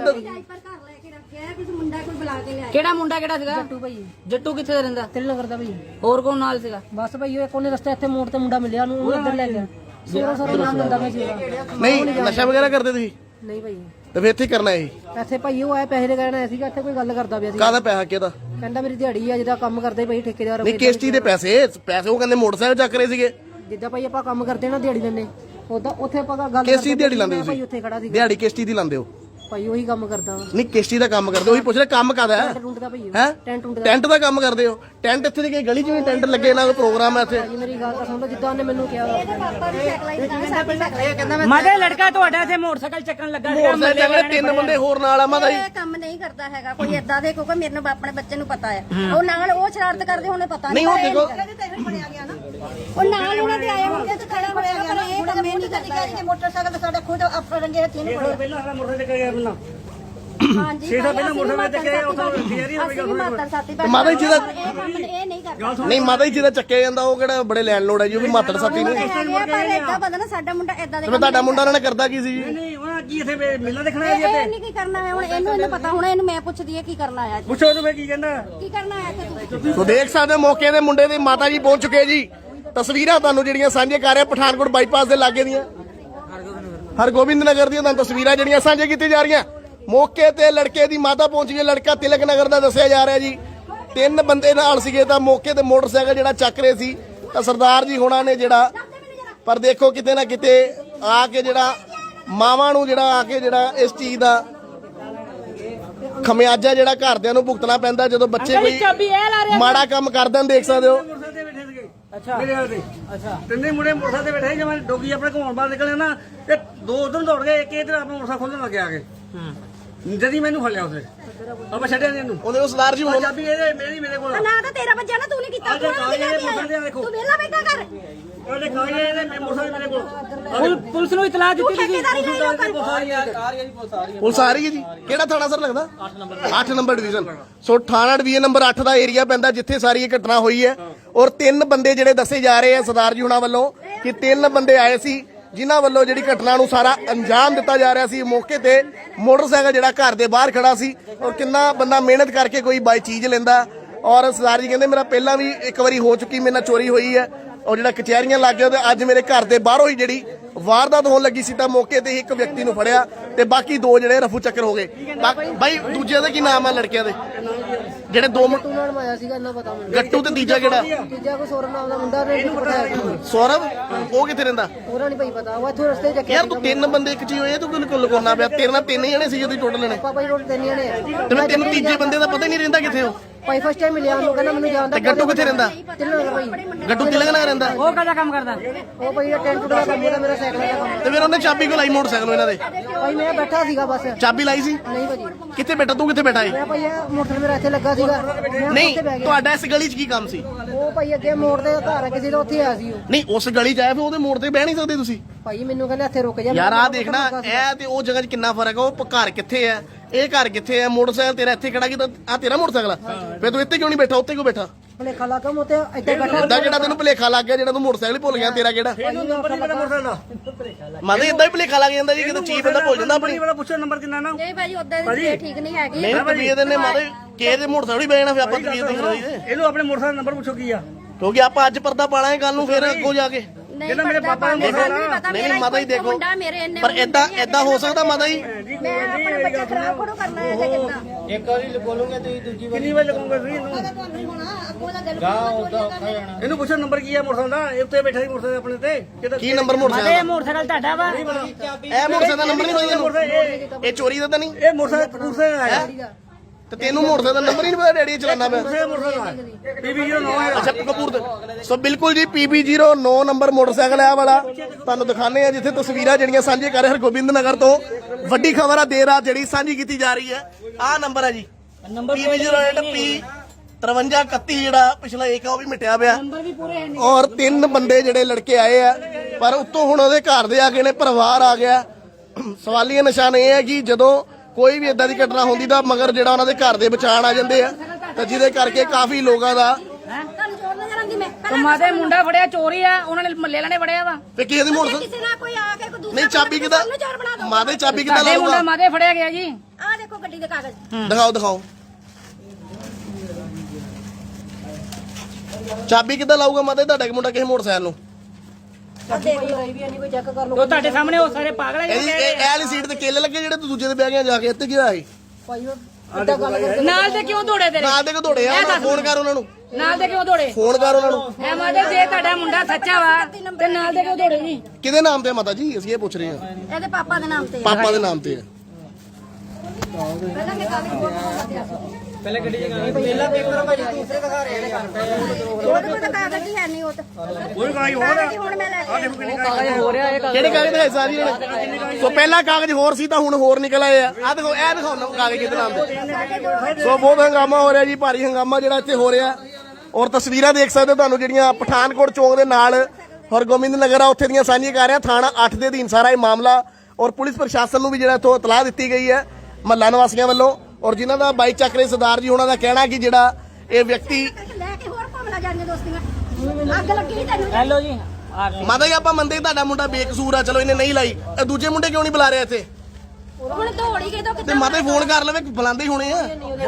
ਕਿਹੜਾ ਮੁੰਡਾ ਕਿਹੜਾ ਸੀਗਾ? ਜੱਟੂ ਭਾਈ। ਜੱਟੂ ਕਿੱਥੇ ਦਾ ਰਹਿੰਦਾ? ਤਿਲ ਨਗਰ ਦਾ ਭਾਈ। ਹੋਰ ਕੌਣ ਨਾਲ ਸੀਗਾ? ਬਸ ਭਾਈ ਉਹ ਇੱਕ ਉਹਨੇ ਰਸਤੇ ਇੱਥੇ ਮੋੜ ਤੇ ਮੁੰਡਾ ਮਿਲਿਆ, ਉਹਨੂੰ ਉਹ ਇੱਧਰ ਲੈ ਗਿਆ। ਸੋਰਾ ਸੋਰਾ ਨਾਮ ਦਿੰਦਾ ਮੈਂ ਸੀਗਾ। ਨਹੀਂ ਨਸ਼ਾ ਵਗੈਰਾ ਕਰਦੇ ਤੁਸੀਂ? ਨਹੀਂ ਭਾਈ। ਤੇ ਫਿਰ ਇੱਥੇ ਕਰਨਾ ਇਹ? ਇੱਥੇ ਭਾਈ ਉਹ ਆਇਆ ਪੈਸੇ ਦੇ ਕਹਿਣ ਆਇਆ ਸੀਗਾ। ਇੱਥੇ ਕੋਈ ਗੱਲ ਕਰਦਾ ਪਿਆ ਸੀ। ਕਾਹਦਾ ਪੈਸਾ? ਕਿਹਦਾ? ਕਹਿੰਦਾ ਮੇਰੀ ਦਿਹਾੜੀ ਆ, ਜਿਹਦਾ ਕੰਮ ਕਰਦੇ ਭਾਈ ਠੇਕੇਦਾਰ। ਨਹੀਂ ਕਿਸ਼ਤੀ ਦੇ ਪੈਸੇ ਪੈਸੇ ਉਹ ਕਹਿੰਦੇ ਮੋਟਰਸਾਈਕਲ ਚੱਕ ਰਹੇ ਸੀਗੇ। ਜਿੱਦਾਂ ਭਾਈ ਆਪਾਂ ਕੰਮ ਕਰਦੇ ਨਾ ਦਿਹਾੜੀ ਲੈਣੇ, ਉਦਾਂ ਉੱਥੇ ਆਪਾਂ ਗੱਲ ਕਿਸ਼ਤੀ ਦਿਹਾੜੀ ਲਾਉਂਦੇ ਭਾਈ ਤੁਸੀਂ? ਉੱਥੇ ਖੜਾ ਸੀ ਦਿਹਾੜੀ ਕਿਸ਼ਤੀ ਦੀ ਲਾਉਂਦੇ ਹੋ? ਭਾਈ ਉਹੀ ਕੰਮ ਕਰਦਾ ਵਾ। ਨਹੀਂ ਕਿਸ਼ਤੀ ਦਾ ਕੰਮ ਕਰਦੇ ਹੋ? ਉਹੀ ਪੁੱਛ ਰਿਹਾ ਕੰਮ ਕਾਹਦਾ ਹੈ? ਟੁੰਡ ਦਾ ਭਾਈ। ਹੈ ਟੈਂਟ ਟੁੰਡ ਦਾ। ਟੈਂਟ ਦਾ ਕੰਮ ਕਰਦੇ ਹੋ? ਟੈਂਟ ਇੱਥੇ ਦੀ ਗਲੀ 'ਚ ਵੀ ਟੈਂਟ ਲੱਗੇ ਨਾ, ਕੋਈ ਪ੍ਰੋਗਰਾਮ ਹੈ ਇੱਥੇ? ਮੇਰੀ ਗੱਲ ਤਾਂ ਸੁਣ ਲਓ, ਜਿੱਦਾਂ ਉਹਨੇ ਮੈਨੂੰ ਕਿਹਾ ਮਾਦੇ ਲੜਕਾ ਤੁਹਾਡਾ ਇੱਥੇ ਮੋਟਰਸਾਈਕਲ ਚੱਕਣ ਲੱਗਾ ਸੀਗਾ। ਮੋਟਰਸਾਈਕਲ ਚੱਕ ਤਿੰਨ ਬੰਦੇ ਹੋਰ ਨਾਲ ਆ ਮਾਤਾ ਜੀ। ਇਹ ਕੰਮ ਨਹੀਂ ਕਰਦਾ ਹੈਗਾ ਕੋਈ ਇਦਾਂ ਦੇ, ਕਿਉਂਕਿ ਮੇਰੇ ਨੂੰ ਆਪਣੇ ਬੱਚੇ ਨੂੰ ਪਤਾ ਹੈ। ਉਹ ਨਾਲ ਉਹ ਸ਼ਰਾਰਤ ਕਰਦੇ ਹੋਣੇ ਪਤਾ ਨਹੀਂ ਉਹ ਦੇਖੋ ਉਹ ਨਾਲ ਉਹਨਾਂ ਦੇ ਆਏ ਹੋਣਗੇ ਤੇ ਖੜਾ ਹੋਇਆ ਗਿਆ ਨਾ। ਇਹ ਕੰਮ ਨਹੀਂ ਕਰਦਾ ਕਿ ਮੋਟਰਸਾਈਕਲ ਤੇ ਸਾਡੇ ਖੁਦ ਆਪਣੇ ਰੰਗੇ ਹੱਥੀਂ ਨਹੀਂ ਫੜਿਆ। ਪਹਿਲਾਂ ਸਾਡਾ ਮੋਟਰਸਾਈਕਲ ਚੱਕਿਆ ਗਿਆ ਪਹਿਲਾਂ। ਹਾਂਜੀ ਛੇ ਸਾਲ ਪਹਿਲਾਂ ਮੋਟਰਸਾਈਕਲ ਚੱਕਿਆ, ਉੱਥੋਂ ਕਚਹਿਰੀਆਂ ਤੋਂ ਅਸੀਂ ਵੀ ਮਾਤਰ ਸਾਥੀ ਤੇ ਮਾਤਾ ਜੀ ਦਾ ਇਹ ਕੰਮ ਇਹ ਨਹੀਂ ਕਰਦਾ। ਨਹੀਂ ਮਾਤਾ ਜੀ ਜਿਹਦਾ ਚੱਕਿਆ ਜਾਂਦਾ ਉਹ ਕਿਹੜਾ ਬੜੇ ਲੈਣ ਲੋੜ ਹੈ ਜੀ, ਉਹ ਵੀ ਮਾਤੜ ਸਾਥੀ ਨੇ। ਹੈਗੇ ਆ, ਪਰ ਇਦਾਂ ਪਤਾ ਨਾ ਸਾਡਾ ਮੁੰਡਾ ਇਦਾਂ ਦੇ ਤੇ ਤੁਹਾਡਾ ਮੁੰਡਾ ਉਹਨਾਂ ਨੇ ਕਰਦਾ ਕੀ ਸੀ ਜੀ? ਨਹੀਂ ਉਹਨਾਂ ਕੀ ਇੱਥੇ ਮੇਲਾ ਦੇਖਣਾ ਹੈ ਜੀ? ਇਹ ਇੱਥੇ ਨਹੀਂ ਕੀ ਕਰਨਾ ਹੈ ਹੁਣ ਇਹਨੂੰ ਇਹਨੂੰ ਪਤਾ ਹੋਣਾ। ਇਹਨੂੰ ਮੈਂ ਪੁੱਛਦੀ ਹੈ ਕੀ ਕਰਨਾ ਆਇਆ? ਪੁੱਛੋ ਉਹਨੂੰ ਫੇਰ ਕੀ ਕਹਿੰਦਾ। ਕੀ ਕਰਨਾ ਆਇਆ ਇੱਥੇ ਤੁਸੀਂ? ਸੋ ਦੇਖ ਸਕਦੇ ਹੋ ਮੌਕੇ ਦੇ ਮੁੰਡੇ ਦੇ ਮਾਤਾ ਜੀ ਪਹੁੰਚ ਚੁੱਕੇ ਜੀ। ਤਸਵੀਰਾਂ ਤੁਹਾਨੂੰ ਜਿਹੜੀਆਂ ਸਾਂਝੀਆਂ ਕਰ ਰਿਹਾ ਪਠਾਨਕੋਟ ਬਾਈਪਾਸ ਦੇ ਲਾਗੇ ਦੀਆਂ, ਹਰਗੋਬਿੰਦ ਨਗਰ ਦੀਆਂ ਤੁਹਾਨੂੰ ਤਸਵੀਰਾਂ ਜਿਹੜੀਆਂ ਸਾਂਝੀਆਂ ਕੀਤੀਆਂ ਜਾ ਰਹੀਆਂ। ਮੌਕੇ ਤੇ ਲੜਕੇ ਦੀ ਮਾਤਾ ਪਹੁੰਚ ਗਈ। ਲੜਕਾ ਤਿਲਕ ਨਗਰ ਦਾ ਦੱਸਿਆ ਜਾ ਰਿਹਾ ਜੀ। ਤਿੰਨ ਬੰਦੇ ਨਾਲ ਸੀਗੇ ਤਾਂ ਮੌਕੇ ਤੇ ਮੋਟਰਸਾਈਕਲ ਜਿਹੜਾ ਚੱਕ ਰਹੇ ਸੀ ਤਾਂ ਸਰਦਾਰ ਜੀ ਹੋਣਾ ਨੇ ਜਿਹੜਾ, ਪਰ ਦੇਖੋ ਕਿਤੇ ਨਾ ਕਿਤੇ ਆ ਕੇ ਜਿਹੜਾ ਮਾਵਾਂ ਨੂੰ ਜਿਹੜਾ ਆ ਕੇ ਜਿਹੜਾ ਇਸ ਚੀਜ਼ ਦਾ ਖਮਿਆਜਾ ਜਿਹੜਾ ਘਰਦਿਆਂ ਨੂੰ ਭੁਗਤਣਾ ਪੈਂਦਾ ਜਦੋਂ ਬੱਚੇ ਕੋਈ ਮਾੜਾ ਕੰਮ ਕਰ ਦੇਣ। ਦੇਖ ਸਕਦੇ ਹੋ ਮੋਟਰਸਾਈਕਲ ਤੇ ਬੈਠੇ ਸੀਗੇ। ਅੱਛਾ ਮੇਰੇ ਹਾਲ ਤੇ। ਅੱਛਾ ਤਿੰਨੇ ਮੁੰਡੇ ਮੋਟਰਸਾਈਕਲ ਤੇ ਬੈਠੇ ਜਿਵੇਂ ਡੋਗੀ ਆਪਣੇ ਘੁੰਮਣ ਬਾਹਰ ਨਿਕਲੇ ਨਾ, ਤੇ ਦੋ ਉਧਰ ਦੌੜ ਗਏ, ਇੱਕ ਇਧਰ ਆਪਣਾ ਮੋਟਰਸਾਈਕਲ ਖੋਲਣ ਲੱਗਿਆ ਆ ਕੇ। ਜਦੀ ਮੈਨੂੰ ਫੜ ਲਿਆ ਉਸਨੇ, ਆਪਾਂ ਛੱਡਿਆ ਨਹੀਂ ਇਹਨੂੰ। ਉਹਦੇ ਸਰਦਾਰ ਜੀ ਹੁਣ ਚਾਬੀ ਇਹਦੇ ਮੇਰੀ ਮੇਰੇ ਕੋਲ। ਨਾ ਤਾਂ ਤੇਰਾ ਬੱਚਾ ਨਾ, ਤੂੰ ਨਹੀਂ ਕੀਤਾ। ਤੂੰ ਤੂੰ ਵਿਹਲਾ ਬੈਠਾ ਕਰ। ਉਹਦੇ ਕਾਗਜ਼ ਇਹਦੇ ਮੋਟਰਸਾਈਕਲ ਮੇਰੇ ਕੋਲ। ਪੁਲਿਸ ਨੂੰ ਇਤਲਾਹ ਦਿੱਤੀ ਤੁਸੀਂ? ਠੇਕੇਦਾਰੀ ਲਈ ਲੋਕਾਂ ਨੂੰ ਪੁਲਿਸ ਆ ਰਹੀ ਹੈ ਜੀ। ਕਿਹੜਾ ਥਾਣਾ ਸਰ ਲੱਗਦਾ? ਅੱਠ ਨੰਬਰ ਡਿਵੀਜ਼ਨ। ਸੋ ਥਾਣਾ ਡਿਵੀਜ਼ਨ ਨੰਬਰ ਅੱਠ ਦਾ ਏਰੀਆ ਪੈਂਦਾ ਜਿੱਥੇ ਸਾਰੀ ਇਹ ਘਟਨਾ ਹੋਈ ਹੈ। ਔਰ ਤਿੰਨ ਬੰਦੇ ਜਿਹੜੇ ਦੱਸੇ ਜਾ ਰਹੇ ਆ ਸਰਦਾਰ ਜੀ ਹੁਣਾਂ ਵੱਲੋਂ ਕਿ ਤਿੰਨ ਬੰਦੇ ਆਏ ਸੀ ਜਿਨ੍ਹਾਂ ਵੱਲੋਂ ਜਿਹੜੀ ਘਟਨਾ ਨੂੰ ਸਾਰਾ ਅੰਜਾਮ ਦਿੱਤਾ ਜਾ ਰਿਹਾ ਸੀ। ਮੌਕੇ ਤੇ ਮੋਟਰਸਾਈਕਲ ਜਿਹੜਾ ਘਰ ਦੇ ਬਾਹਰ ਖੜਾ ਸੀ ਔਰ ਕਿੰਨਾ ਬੰਦਾ ਮਿਹਨਤ ਕਰਕੇ ਕੋਈ ਬਾਈ ਚੀਜ਼ ਲੈਂਦਾ। ਔਰ ਸਰਦਾਰ ਜੀ ਕਹਿੰਦੇ ਮੇਰਾ ਪਹਿਲਾਂ ਵੀ ਇੱਕ ਵਾਰੀ ਹੋ ਚੁੱਕੀ, ਮੇਰੇ ਨਾਲ ਚੋਰੀ ਹੋਈ ਹੈ ਔਰ ਜਿਹੜਾ ਕਚਹਿਰੀਆਂ ਲੱਗ ਗਿਆ ਤੇ ਅੱਜ ਮੇਰੇ ਘਰ ਦੇ ਬਾਹਰੋਂ ਹੀ ਜਿਹੜੀ ਵਾਰਦਾਤ ਹੋਣ ਲੱਗੀ ਸੀ ਤਾਂ ਮੌਕੇ ਤੇ ਹੀ ਇੱਕ ਵਿਅਕਤੀ ਨੂੰ ਫੜਿਆ ਤੇ ਬਾਕੀ ਦੋ ਜਿਹੜੇ ਰਫੂ ਚੱਕਰ ਹੋ ਗਏ। ਬਾ- ਬਾਈ ਦੂਜੇ ਦਾ ਕੀ ਨਾਮ ਹੈ ਲੜਕਿਆਂ ਦੇ ਜਿਹੜੇ ਦੋ ਮੁੰ- ਗੱਟੂ ਨਾਲ ਮਾਇਆ ਸੀਗਾ ਇੰਨਾ ਪਤਾ ਮੈਨੂੰ। ਗੱਟੂ ਤੇ ਤੀਜਾ ਕਿਹੜਾ ਤੀਜਾ ਕੋਈ ਸੌਰਵ ਨਾਮ ਦਾ ਮੁੰਡਾ ਨੇ ਇਹਨੂੰ ਪਤਾ ਸੌਰਵ? ਉਹ ਕਿੱਥੇ ਰਹਿੰਦਾ? ਉਹਦਾ ਨਹੀਂ ਭਾਈ ਪਤਾ, ਉਹ ਇੱਥੋਂ ਰਸਤੇ 'ਚ ਚੱਕਿਆ ਯਾਰ ਤੂੰ ਤਿੰਨ ਬੰਦੇ ਇੱਕ ਚੀਜ਼ ਹੋਏ ਤੂੰ ਬਿਲਕੁਲ ਲਗਾਉਣਾ ਪਿਆ। ਤੇਰੇ ਨਾਲ ਤਿੰਨ ਜਣੇ ਸੀ ਜਦੋਂ ਟੋਟਲ ਨੇ ਪਾਪਾ ਜੀ ਰੋਡ ਤਿੰਨ ਜਣੇ ਆ ਤੇ ਮੈਂ ਤੈਨੂੰ ਤੀਜੇ ਬੰਦੇ ਦਾ ਪਤਾ ਹੀ ਨਹੀਂ ਰਹਿੰਦਾ ਕਿੱਥੇ ਉਹ। ਭਾਈ ਫਸਟ ਟਾਈਮ ਮਿਲਿਆ ਉਹਨੂੰ, ਕਹਿੰਦਾ ਮੈਨੂੰ ਜਾਣਦਾ। ਤੇ ਗੱਟੂ ਕਿੱਥੇ ਰਹਿੰਦਾ? ਤਿੰਨ ਨਗਰ ਭਾਈ। ਗੱਟੂ ਤਿਲਕ ਨਾਲ ਰਹਿੰਦਾ ਉਹ ਕਾਹਦਾ ਕੰਮ ਕਰਦਾ? ਉਹ ਭਾਈ ਟੈਂਟ ਦਾ ਕੰਮ ਉਹਦਾ, ਮੇਰਾ ਸਾਈਕਲ ਦਾ ਕੰਮ। ਤੇ ਫਿਰ ਉਹਨੇ ਚਾਬੀ ਕਿਉਂ ਲਾਈ ਮੋਟਰਸਾਈਕਲ ਇਹਨਾਂ ਦੇ? ਭਾਈ ਮੈਂ ਬੈਠਾ ਸੀਗਾ ਬਸ। ਚਾਬੀ ਲਾਈ ਸੀ? ਨਹੀਂ ਭਾਜੀ, ਕਿੱਥੇ ਬੈਠਾ ਤੂੰ? ਕਿੱਥੇ ਬੈਠਾ ਏ? ਮੈਂ ਭਾਈ ਇਹ ਮੋਟਰ ਮੇਰਾ ਇੱਥੇ ਲੱਗਾ ਸੀਗਾ, ਮੈਂ ਨਹੀਂ ਉੱਥੇ ਬਹਿ ਗਿਆ। ਤੁਹਾਡਾ ਇਸ ਗਲੀ 'ਚ ਕੀ ਕੰਮ ਸੀ? ਉਹ ਭਾਈ ਅੱਗੇ ਮੋੜ ਤੇ ਘਰ ਆ ਕਿਸੇ ਦਾ, ਉੱਥੇ ਆਇਆ ਸੀ ਉਹ। ਨਹੀਂ ਉਸ ਗਲੀ 'ਚ ਆਇਆ ਫਿਰ ਉਹਦੇ ਮੋੜ ਤੇ ਬਹਿ ਨਹੀਂ ਸਕਦੇ ਤੁਸੀਂ? ਭਾਈ ਮੈਨੂੰ ਕਹਿੰਦਾ ਇੱਥੇ ਰੁਕ ਜਾ। ਯਾਰ ਆਹ ਦੇਖਣਾ ਇਹ ਤੇ ਉਹ ਜਗ੍ਹਾ 'ਚ ਕਿੰਨਾ ਫਰਕ ਆ। ਉਹ ਘਰ ਕਿੱਥੇ ਆ, ਇਹ ਘਰ ਕਿੱਥੇ ਆ? ਮੋਟਰਸਾਈਕਲ ਤੇਰਾ ਇੱਥੇ ਖੜਾ ਕੀਤਾ, ਆ ਤੇਰਾ ਮੋਟਰਸਾਈਕਲ ਆ, ਫਿਰ ਤੂੰ ਇੱਥੇ ਕਿਉਂ ਨਹੀਂ ਬੈਠਾ? ਉੱਥੇ ਕਿਉਂ ਬੈਠਾ? ਭਲੇਖਾ ਲਾ ਕੇ ਉੱਤੇ ਇੱਥੇ ਬੈਠਾ। ਏਦਾਂ ਜਿਹੜਾ ਤੈਨੂੰ ਭੁਲੇਖਾ ਲੱਗ ਗਿਆ, ਜਿਹੜਾ ਤੂੰ ਮੋਟਰਸਾਈਕਲ ਹੀ ਭੁੱਲ ਗਿਆ, ਤੇਰਾ ਕਿਹੜਾ? ਇਹਨੂੰ ਨੰਬਰ ਨਹੀਂ ਮੇਰਾ ਮੋਟਰਸਾਈਕਲ ਦਾ। ਮਾਦੇ ਏਦਾਂ ਹੀ ਭੁਲੇਖਾ ਲੱਗ ਜਾਂਦਾ ਜੀ, ਕਿਤੇ ਚੀਜ਼ ਬੰਦਾ ਭੁੱਲ ਜਾਂਦਾ ਆਪਣੀ। ਵਾਲਾ ਪੁੱਛੋ ਨੰਬਰ ਕਿੰਨਾ ਨਾ। ਨਹੀਂ ਭਾਜੀ ਉਦਾਂ ਦੀ ਠੀਕ ਨਹੀਂ ਹੈਗੀ। ਨਹੀਂ ਤਬੀਅਤ ਇਹਨੇ ਮਾਦੇ ਕੇ ਦੇ ਮੋਟਰਸਾਈਕਲ ਹੀ ਬਹਿਣਾ, ਫਿਰ ਆਪਾਂ ਤਬੀਅਤ ਨਹੀਂ ਕਰਾਈ ਦੇ। ਇਹਨੂੰ ਆਪਣੇ ਮੋਟਰਸਾਈਕਲ ਨੰਬਰ ਪੁੱਛੋ ਕੀ ਆ। ਕਿਉਂਕਿ ਆਪਾਂ ਅੱਜ ਪਰਦਾ ਪਾਣਾ ਹੈ ਕੱਲ ਨੂੰ ਫਿਰ ਅੱਗੋਂ ਜਾ ਕੇ। ਨਹੀਂ ਮੇਰੇ ਪਾਪਾ ਨੂੰ ਨਹੀਂ ਪਤਾ। ਨਹੀਂ ਨਹੀਂ ਮਾਤਾ ਜੀ ਦੇਖੋ, ਮੇਰੇ ਇੰਨੇ ਪਰ ਏਦਾਂ ਏਦਾਂ ਹੋ ਸਕਦਾ ਮਾਤਾ ਜੀ? ਮੈਂ ਆਪਣਾ ਬੱਚਾ ਖਰਾਬ ਕੋਣ ਕਰਨਾ ਹੈ ਜਾਂ ਕਿੱਦਾਂ? ਇੱਕ ਵਾਰੀ ਬੋਲੋਗੇ ਤੁਸੀਂ ਦੂਜੀ ਵਾਰੀ ਕਿੰਨੀ ਵਾਰ ਲਗਾਉਂਗੇ ਤੁਸੀਂ ਇਹਨੂੰ? ਇਹਨੂੰ ਪੁੱਛੋ ਨੰਬਰ ਕੀ ਆ ਮੋਟਰਸਾਈਕਲ ਦਾ। ਇਹ ਉੱਤੇ ਬੈਠਾ ਸੀ ਮੋਟਰਸਾਈਕਲ ਆਪਣੇ ਤੇ ਕਿਹਦਾ ਕੀ ਨੰਬਰ ਮਾਦੇ ਮੋਟਰਸਾਈਕਲ? ਮੋਟਰਸਾਈਕਲ ਤੁਹਾਡਾ ਵਾ? ਇਹ ਮੋਟਰਸਾਈਕਲ ਦਾ ਨੰਬਰ ਨਹੀਂ ਪਤਾ ਤੈਨੂੰ? ਇਹ ਇਹ ਚੋਰੀ ਦਾ ਤਾਂ ਨਹੀਂ? ਇਹ ਮੋਟਰਸਾਈਕਲ ਕਪੂਰਥਲੇ ਦਾ ਆਇਆ। ਤੇ ਤੈਨੂੰ ਮੋਟਰਸਾਈਕਲ ਦਾ ਨੰਬਰ ਹੀ ਨਹੀਂ ਪਤਾ? ਡੈਡੀ ਚਲਾਣਾ ਪਿਆ। ਇਹ ਮੋਟਰਸਾਈਕਲ ਪੀਬੀ ਜ਼ੀਰੋ ਨੌ ਹੈ। ਅੱਛਾ ਕਪੂਰ ਦੇ। ਸੋ ਬਿਲਕੁਲ ਜੀ ਪੀ ਬੀ ਜ਼ੀਰੋ ਨੌ ਨੰਬਰ ਮੋਟਰਸਾਈਕਲ ਆ ਵਾਲਾ ਤੁਹਾਨੂੰ ਦਿਖਾਣੇ ਆ, ਜਿੱਥੇ ਤਸਵੀਰਾਂ ਜਿਹੜੀਆਂ ਸਾਂਝੇ ਕਰ ਰਹੇ ਹਰਗੋਬਿੰਦ ਨਗਰ ਤੋਂ। ਵੱਡੀ ਖਬਰ ਆ ਦੇਰ ਰਾਤ ਜਿਹੜੀ ਸਾਂਝੀ ਕੀਤੀ ਜਾ ਰਹੀ ਹੈ। ਆਹ ਨੰਬਰ ਹੈ ਜੀ P B zero eight P ਤਰਵੰਜਾ ਇਕੱਤੀ, ਜਿਹੜਾ ਪਿਛਲਾ ਇੱਕ ਆ ਉਹ ਵੀ ਮਿਟਿਆ ਪਿਆ। ਔਰ ਤਿੰਨ ਬੰਦੇ ਜਿਹੜੇ ਲੜਕੇ ਆਏ ਆ, ਪਰ ਉੱਤੋਂ ਹੁਣ ਉਹਦੇ ਘਰ ਦੇ ਆ ਗਏ ਨੇ, ਪਰਿਵਾਰ ਆ ਗਿਆ। ਸਵਾਲੀਆ ਨਿਸ਼ਾਨ ਇਹ ਹੈ ਕਿ ਜਦੋਂ ਕੋਈ ਵੀ ਇਦਾਂ ਦੀ ਘਟਨਾ ਹੁੰਦੀ ਤਾਂ ਮਗਰ ਜਿਹੜਾ ਉਹਨਾਂ ਦੇ ਘਰ ਦੇ ਬਚਾਣ ਆ ਜਾਂਦੇ ਆ, ਤਾਂ ਜਿਹਦੇ ਕਰਕੇ ਕਾਫੀ ਲੋਕਾਂ ਦਾ ਤੁਹਾਨੂੰ ਚੋਰ ਨਜ਼ਰ ਆਉਂਦੀ ਮੈਂ ਤੇ ਮਾਦੇ ਮੁੰਡਾ ਫੜਿਆ ਚੋਰੀ ਆ, ਉਹਨਾਂ ਨੇ ਮੱਲੇ ਵਾਲੇ ਨੇ ਫੜਿਆ ਵਾ। ਤੇ ਕਿਸੇ ਦੀ ਮੋਟਰਸਾਈਕਲ ਕਿਸੇ ਨਾਲ ਕੋਈ ਆ ਕੇ ਕੋਈ ਦੂਸਰਾ ਨਹੀਂ ਚਾਬੀ ਕਿੱਦਾਂ ਸਾਨੂੰ ਚੋਰ ਬਣਾ ਦੋ। ਮਾਦੇ ਚਾਬੀ ਕਿੱਦਾਂ ਸਾਡੇ ਮੁੰਡਾ ਲਾਊਗਾ? ਮਾਦੇ ਫੜਿਆ ਗਿਆ ਜੀ। ਆਹ ਦੇਖੋ ਗੱਡੀ ਦੇ ਕਾਗਜ਼। ਦਿਖਾਓ ਦਿਖਾਓ ਚਾਬੀ ਕਿੱਦਾਂ ਲਾਊਗਾ ਮਾਦੇ ਤੁਹਾਡਾ ਮੁੰਡਾ ਕਿਸੇ ਮੋਟਰਸਾਈਕਲ ਨੂੰ? ਆਹ ਦੇਖ ਲਓ। ਵੀ ਨਹੀਂ ਕੋਈ ਚੈੱਕ ਕਰ ਲਓ ਉਹ ਤੁਹਾਡੇ ਸਾਹਮਣੇ ਉਹ ਸਾਰੇ ਪਾਗਲ ਆ ਜੀ। ਇਹਦੀ ਇਹ ਵਾਲੀ ਸੀਟ ਤੇ ਕੇਲੇ ਲੱਗੇ ਜਿਹੜੇ ਤੂੰ ਦੂਜੇ ਤੇ ਬਹਿ ਗਿਆ ਜਾ ਕੇ, ਇੱਥੇ ਕੀ ਹੋਇਆ ਸੀ? ਭਾਈ ਉਹ ਇੱਦਾਂ ਗੱਲ ਕਰਦੇ। ਨਾਲ ਦੇ ਕਿਉਂ ਦੌੜੇ ਤੇਰੇ? ਨਾਲ ਦੇ ਕੋ ਦੌੜੇ ਆ, ਉਹਨਾਂ ਨੂੰ ਫੋਨ ਕਰ ਉਹਨਾਂ ਨੂੰ, ਨਾਲ ਦੇ ਕਿਉਂ ਦੌੜੇ? ਫੋਨ ਕਰ ਉਹਨਾਂ ਨੂੰ। ਐ ਮਾਦੇ ਜੇ ਤੁਹਾਡਾ ਮੁੰਡਾ ਸੱਚਾ ਵਾ ਤੇ ਨਾਲ ਦੇ ਕਿਉਂ ਦੌੜੇ ਜੀ? ਕਿਹਦੇ ਨਾਮ ਤੇ ਮਾਤਾ ਜੀ? ਅਸੀਂ ਇਹ ਪੁੱਛ ਰਹੇ ਹਾਂ। ਇਹਦੇ ਪਾਪਾ ਦੇ ਨਾਮ ਤੇ। ਪਾਪਾ ਦੇ ਨਾਮ ਤੇ ਹੈ। ਪਹਿਲਾਂ ਮੈਂ ਕਾਗਜ਼ ਕੋਲ ਪਾਉਂਦਾ ਸੀ। ਪਹਿਲਾਂ ਪੇਪਰ ਭਾਜੀ ਦੂਸਰੇ ਦਿਖਾ ਰਹੇ ਨੇ ਉਹਦੇ ਕੋਲ ਤਾਂ ਕਾਗਜ਼ ਹੀ ਹੈ ਨਹੀਂ। ਉਹ ਤਾਂ ਕੋਈ ਕਾਈ ਹੋਰ ਕਾਗਜ਼ ਹੀ ਹੁਣ ਮੈਂ ਲੈ ਕੇ ਆਈ। ਹੋ ਰਿਹਾ ਇਹ ਕਿਹੜੇ ਕਾਗਜ਼ ਦਿਖਾਏ ਸਾਰੀ ਨੇ? ਸੋ ਪਹਿਲਾਂ ਕਾਗਜ਼ ਹੋਰ ਸੀ ਤਾਂ ਹੁਣ ਹੋਰ ਨਿਕਲ ਆਏ ਆ। ਆ ਦੇਖੋ ਇਹ ਦਿਖਾਉਣਾ ਕਾਗਜ਼ ਕਿਹਦੇ ਨਾਮ ਤੇ। ਸੋ ਬਹੁਤ ਹੰਗਾਮਾ ਹੋ ਰਿਹਾ ਜੀ, ਭਾਰੀ ਹੰਗਾਮਾ ਜਿਹੜਾ ਇੱਥੇ ਹੋ ਰਿਹਾ। ਔਰ ਤਸਵੀਰਾਂ ਦੇਖ ਸਕਦੇ ਹੋ ਤੁਹਾਨੂੰ ਜਿਹੜੀਆਂ ਪਠਾਨਕੋਟ ਚੌਂਕ ਦੇ ਨਾਲ ਹਰਗੋਬਿੰਦ ਨਗਰ ਆ, ਉੱਥੇ ਦੀਆਂ ਸਾਂਝੀਆਂ ਕਰ ਰਿਹਾ। ਥਾਣਾ ਅੱਠ ਦੇ ਅਧੀਨ ਸਾਰਾ ਇਹ ਮਾਮਲਾ, ਔਰ ਪੁਲਿਸ ਪ੍ਰਸ਼ਾਸਨ ਨੂੰ ਵੀ ਜਿਹੜਾ ਇੱਥੋਂ ਇਤਲਾਹ ਦਿੱਤੀ ਗਈ ਹੈ ਮਹੱਲਾ ਨਿਵਾਸੀਆਂ ਵੱਲੋਂ। ਔਰ ਜਿਨ੍ਹਾਂ ਦਾ ਬਾਈਕ ਚੱਕ ਰਹੇ ਸਰਦਾਰ ਜੀ ਉਹਨਾਂ ਦਾ ਕਹਿਣਾ ਕਿ ਜਿਹੜਾ ਇਹ ਵਿਅਕਤੀ ਲੈ ਕੇ ਹੋਰ ਘੁੰਮ ਲਾ ਜਾਂਦੀਆਂ ਦੋਸਤੀਆਂ। ਅੱਗ ਲੱਗੀ ਤੈਨੂੰ। ਹੈਲੋ ਜੀ। ਮਾਤਾ ਜੀ ਆਪਾਂ ਮੰਨਦੇ ਤੁਹਾਡਾ ਮੁੰਡਾ ਬੇਕਸੂਰ ਆ, ਚਲੋ ਇਹਨੇ ਨਹੀਂ ਲਾਈ, ਇਹ ਦੂਜੇ ਮੁੰਡੇ ਕਿਉਂ ਨਹੀਂ ਬੁਲਾ ਰਿਹਾ ਇੱਥੇ? ਹੁਣ ਦੌੜੀ ਗਈ ਤਾਂ ਤੇ ਕਿੱਦਾਂ? ਮਾਤਾ ਫੋਨ ਕਰ ਲਵੇ, ਬੁਲਾਉਂਦੇ ਹੀ ਹੋਣੇ ਆ ਹੈ। ਉਹਦੇ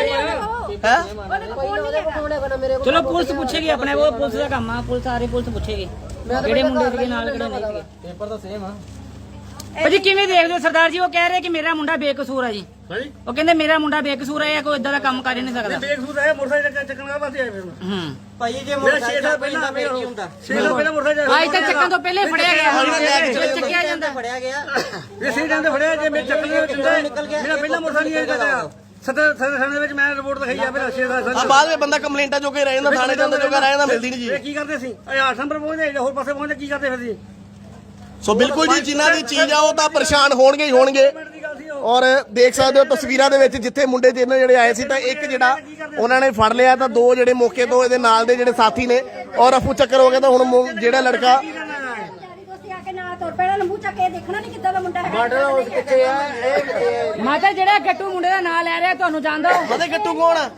ਕੋਲ ਨਹੀਂ ਹੈਗਾ। ਕੋਣ ਹੈਗਾ ਨਾ ਮੇਰੇ ਕੋਲ। ਚਲੋ ਪੁਲਿਸ ਪੁੱਛੇਗੀ ਆਪਣੇ ਕੋਲ, ਪੁਲਿਸ ਦਾ ਕੰਮ ਆ, ਪੁਲਿਸ ਸਾਰੇ ਪੁਲਿਸ ਪੁੱਛੇਗੀ ਕਿਹੜੇ ਮੁੰਡੇ ਸੀਗੇ ਨਾਲ ਕਿਹੜੇ ਨਹੀਂ ਸੀਗੇ। ਪੇਪਰ ਤਾਂ ਸੇਮ ਆ ਭਾਜੀ ਕਿਵੇਂ ਦੇਖਦੇ ਹੋ ਸਰਦਾਰ ਜੀ? ਉਹ ਕਹਿ ਰਹੇ ਕਿ ਮੇਰਾ ਮੁੰਡਾ ਬੇਕਸੂਰ ਆ ਜੀ। ਉਹ ਕਹਿੰਦੇ ਮੇਰਾ ਮੁੰਡਾ ਬੇਕਸੂਰ ਹੈ, ਕੋਈ ਇਦਾਂ ਦਾ ਕੰਮ ਕਰ ਹੀ ਨਹੀਂ ਸਕਦਾ। ਬੇਕਸੂਰ ਹੈ ਮੋਟਰਸਾਈਕਲ ਚੱਕਣ ਦਾ ਵਾਸਤੇ ਆਏ ਫਿਰ ਮੈਂ। ਹੂੰ ਭਾਈ ਜੇ ਮੇਰਾ ਛੇ ਸਾਲ ਪਹਿਲਾਂ ਮੇਰਾ ਕੀ ਹੁੰਦਾ? ਛੇ ਸਾਲ ਪਹਿਲਾਂ ਮੋਟਰਸਾਈਕਲ ਆਈ ਤਾਂ ਚੱਕਣ ਤੋਂ ਪਹਿਲੇ ਫੜਿਆ ਗਿਆ, ਚੱਕਿਆ ਜਾਂਦਾ। ਫੜਿਆ ਗਿਆ ਇਹ ਸਹੀ ਜਾਂਦੇ ਫੜਿਆ ਜੇ ਮੇਰੇ ਚੱਕਣ ਦੇ ਵਿੱਚ ਮੇਰਾ ਪਹਿਲਾਂ ਮੋਟਰਸਾਈਕਲ ਨਹੀਂ ਆਇਆ। ਸਦਰ ਸਦਰ ਥਾਣੇ ਵਿੱਚ ਮੈਂ ਰਿਪੋਰਟ ਲਿਖਾਈ ਆ ਫਿਰ ਛੇ ਸਾਲ ਆ ਬਾਅਦ ਵਿੱਚ ਬੰਦਾ ਕੰਪਲੇਂਟਾਂ ਜੋ ਕੇ ਰਹਿ ਜਾਂਦਾ, ਥਾਣੇ ਜਾਂਦਾ ਜੋ ਕੇ ਰਹਿ ਜਾਂਦਾ, ਮਿਲਦੀ ਨਹੀਂ ਇਹ ਜੀ। ਕੀ ਕਰਦੇ ਸੀ? ਇਹ ਆਠ ਨੰਬਰ ਪਹੁੰਚਦੇ ਹੋਰ ਪਾਸੇ ਪਹੁੰਚਦੇ ਕੀ ਕਰਦੇ ਫਿਰ ਸੀ? ਸੋ ਬਿਲਕੁਲ ਜੀ ਜਿਨ੍ਹਾਂ ਦੀ ਚੀਜ਼ ਆ ਉਹ ਤਾਂ ਪਰੇਸ਼ਾਨ ਹੋਣਗੇ ਹੀ ਹੋਣਗੇ। ਔਰ ਦੇਖ ਸਕਦੇ ਹੋ ਤਸਵੀਰਾਂ ਦੇ ਵਿੱਚ ਜਿੱਥੇ ਮੁੰਡੇ ਜਿਹਨਾਂ ਜਿਹੜੇ ਆਏ ਸੀ ਤਾਂ ਇੱਕ ਜਿਹੜਾ ਉਹਨਾਂ ਨੇ ਫੜ ਲਿਆ, ਤਾਂ ਦੋ ਜਿਹੜੇ ਮੌਕੇ ਤੋਂ ਇਹਦੇ ਨਾਲ ਦੇ ਜਿਹੜੇ ਸਾਥੀ ਨੇ ਔਰ ਅਫੂ ਚੱਕਰ ਹੋ ਗਿਆ। ਤਾਂ ਹੁਣ ਮੁ- ਜਿਹੜਾ ਲੜਕਾ ਯਾਰੀ ਦੋਸਤੀ ਆ ਕੇ ਨਾਲ ਤੁਰ ਪਹਿਲਾਂ ਲੰਬੂ ਚੱਕ ਕੇ ਦੇਖਣਾ ਨਹੀਂ ਕਿੱਦਾਂ ਦਾ ਮੁੰਡਾ ਹੈਗਾ ਕਿੱਥੇ ਆ ਇਹ ਮਾਤਾ ਜਿਹੜਾ ਗੱਟੂ ਮੁੰਡੇ ਦਾ ਨਾਂ ਲੈ ਰਿਹਾ ਤੁਹਾਨੂੰ ਜਾਣਦਾ ਹੋ? ਮਤੇ ਗੱਟੂ ਕੌਣ ਆ